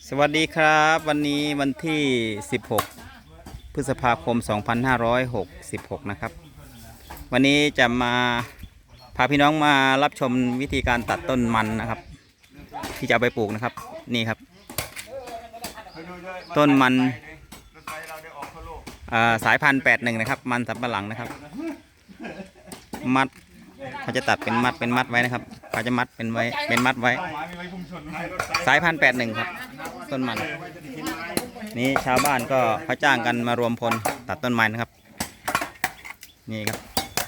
สวัสดีครับวันนี้วันที่ 16 พฤษภาคม 2566 นะครับวันนี้จะมาพาพี่น้องมารับชมวิธีการตัดต้นมันนะครับที่จะเอาไปปลูกนะครับนี่ครับต้นมันสายพันธุ์81นะครับมันสำปะหลังนะครับมัดเขาจะตัดเป็นมัดไว้นะครับเขาจะมัดเป็นมัดไว้สายพันธุ์81ครับต้นมันนี่ชาวบ้านก็เขาจ้างกันมารวมพลตัดต้นไม้นะครับนี่ครับ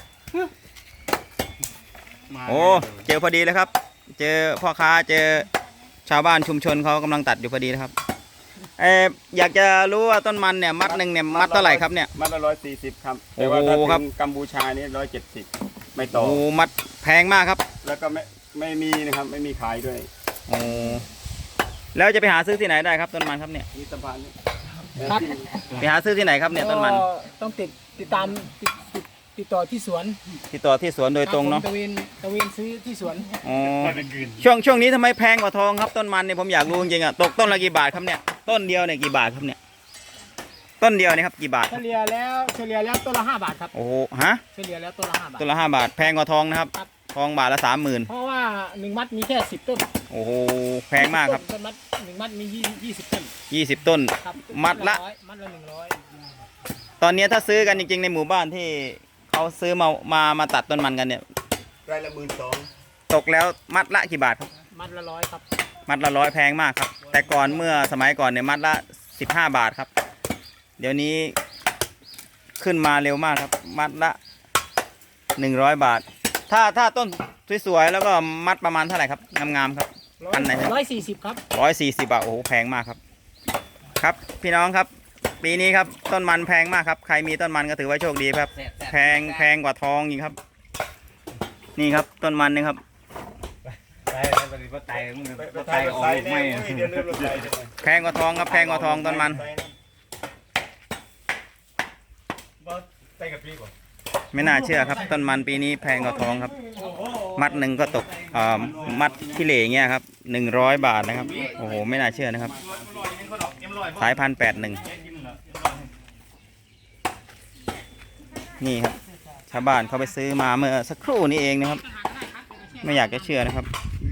โอ้เจอพอดีเลยครับเจอพ่อค้าเจอชาวบ้านชุมชนเขากำลังตัดอยู่พอดีนะครับอยากจะรู้ว่าต้นมันเนี่ยมัดหนึ่งเนี่ยมัดเท่าไหร่ครับเนี่ยมัดละ140ครับแต่ว่าถ้าเป็นกัมพูชานี่170ไม่ต่อโอ้มัดแพงมากครับแล้วก็ไม่มีนะครับไม่มีขายด้วยโอ้แล้วจะไปหาซื้อที่ไหนได้ครับต้นมันครับเนี่ยนี่สะพานนี่ครับไปหาซื้อที่ไหนครับเนี่ยต้นมันต้องติดตามติดต่อที่สวนโดยตรงเนาะตะเวนซื้อที่สวนอ๋อช่วงนี้ทำไมแพงกว่าทองครับต้นมันเนี่ยผมอยากรู้จริงๆอ่ะตกต้นละกี่บาทครับเนี่ยต้นเดียวเนี่ยกี่บาทครับเนี่ยต้นเดียวเนี่ยครับกี่บาทเฉลี่ยแล้วต้นละ5 บาทครับโอ้ฮะเฉลี่ยแล้วต้นละ5 บาทต้นละ5 บาทแพงกว่าทองนะครับทองบาทละ30,000 เพราะว่า1 มัดมีแค่10 ต้นโอ้โหแพงมากครับต้นมัด1 มัดมี20 ต้น 20 ต้นมัดละ 100 ตอนนี้ถ้าซื้อกันจริงๆในหมู่บ้านที่เขาซื้อมาตัดต้นมันกันเนี่ยไร่ละ12,000 ตกแล้วมัดละกี่บาทครับมัดละ100ครับมัดละ100แพงมากครับแต่ก่อนเมื่อสมัยก่อนเนี่ยมัดละ15 บาทครับเดี๋ยวนี้ขึ้นมาเร็วมากครับมัดละ100 บาทถ้าต้นสวยๆแล้วก็มัดประมาณเท่าไหร่ครับงามๆครับอันไหน140ครับ 140 บาทโอ้โหแพงมากครับครับพี่น้องครับปีนี้ครับต้นมันแพงมากครับใครมีต้นมันก็ถือว่าโชคดีครับแพงกว่าทองอีกครับนี่ครับต้นมันนี่ครับแพงกว่าทองครับแพงกว่าทองต้นมันไม่น่าเชื่อครับต้นมันปีนี้แพงกว่าทองครับมัดหนึ่งก็ตกมัดที่เหล่เงี้ยครับ100 บาทนะครับโอ้โหไม่น่าเชื่อนะครับสายพันธุ์81นี่ครับชาวบ้านเขาไปซื้อมาเมื่อสักครู่นี้เองนะครับไม่อยากจะเชื่อนะครับ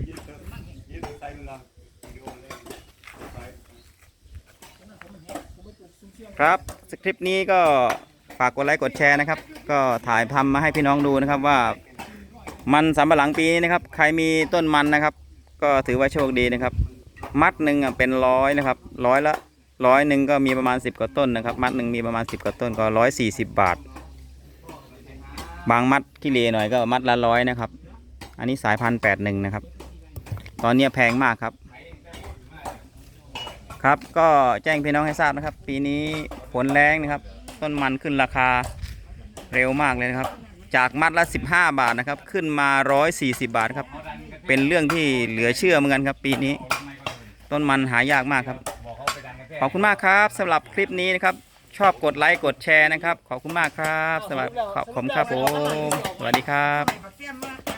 ครับคลิปนี้ก็ฝากกดไลค์กดแชร์นะครับก็ถ่ายทำมาให้พี่น้องดูนะครับว่ามันสำปะหลังปีนี้นะครับใครมีต้นมันนะครับก็ถือว่าโชคดีนะครับมัดหนึ่งเป็น100นะครับ100 ก็มีประมาณ10 กว่าต้นนะครับมัดหนึ่งมีประมาณ10 กว่าต้นก็140 บาทบางมัดที่เลหน่อยก็มัดละ100นะครับอันนี้สายพันธุ์81นะครับตอนนี้แพงมากครับครับก็แจ้งพี่น้องให้ทราบนะครับปีนี้ฝนแรงนะครับต้นมันขึ้นราคาเร็วมากเลยนะครับจากมัดละ15 บาทนะครับขึ้นมา140 บาทครับเป็นเรื่องที่เหลือเชื่อเหมือนกันครับปีนี้ต้นมันหายากมากครับขอบคุณมากครับสำหรับคลิปนี้นะครับชอบกดไลค์กดแชร์นะครับขอบคุณมากครับขอบคุณครับผมสวัสดีครับ